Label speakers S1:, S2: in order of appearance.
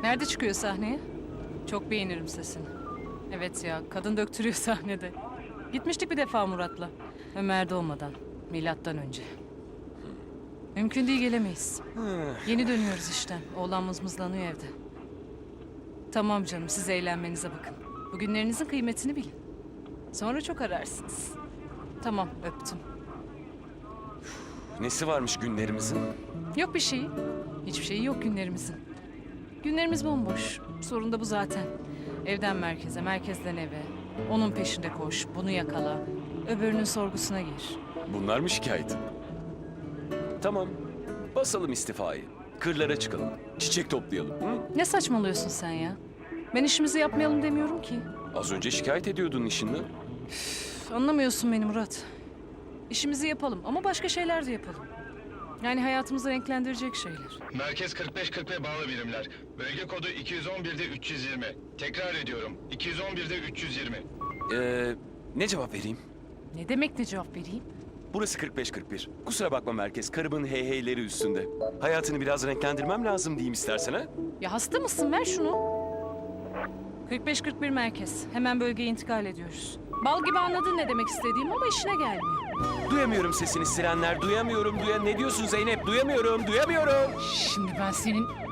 S1: Nerede çıkıyor sahneye? Çok beğenirim sesini. Evet ya, kadın döktürüyor sahnede. Gitmiştik bir defa Murat'la. Ömer doğmadan, milattan önce. Mümkün değil, gelemeyiz. Yeni dönüyoruz işten. Oğlan mızmızlanıyor evde. Tamam canım, siz eğlenmenize bakın. Bugünlerinizin kıymetini bilin. Sonra çok ararsınız. Tamam, öptüm.
S2: Nesi varmış günlerimizin?
S1: Yok bir şey. Hiçbir şeyi yok günlerimizin. Günlerimiz bomboş. Sorun da bu zaten. Evden merkeze, merkezden eve. Onun peşinde koş, bunu yakala. Öbürünün sorgusuna gir.
S2: Bunlar mı şikayet? Tamam. Basalım istifayı. Kırlara çıkalım. Çiçek toplayalım. Hı?
S1: Ne saçmalıyorsun sen ya? Ben işimizi yapmayalım demiyorum ki.
S2: Az önce şikayet ediyordun işinden.
S1: Üf, anlamıyorsun beni Murat. İşimizi yapalım ama başka şeyler de yapalım. Yani hayatımızı renklendirecek şeyler.
S3: Merkez 45-40 bağlı birimler. Bölge kodu 211'de 320. Tekrar ediyorum. 211'de 320.
S2: Ne cevap vereyim?
S1: Ne demek ne cevap vereyim?
S2: Burası 45-41. Kusura bakma merkez. Karımın heyheyleri üstünde. Hayatını biraz renklendirmem lazım diyeyim istersen ha?
S1: Ya hasta mısın? Ver şunu. 45-41 merkez. Hemen bölgeye intikal ediyoruz. Bal gibi anladın ne demek istediğim ama işine gelmiyor.
S2: Duyamıyorum sesini sirenler. Duyamıyorum. Ne diyorsun Zeynep? Duyamıyorum.
S1: Şimdi ben senin...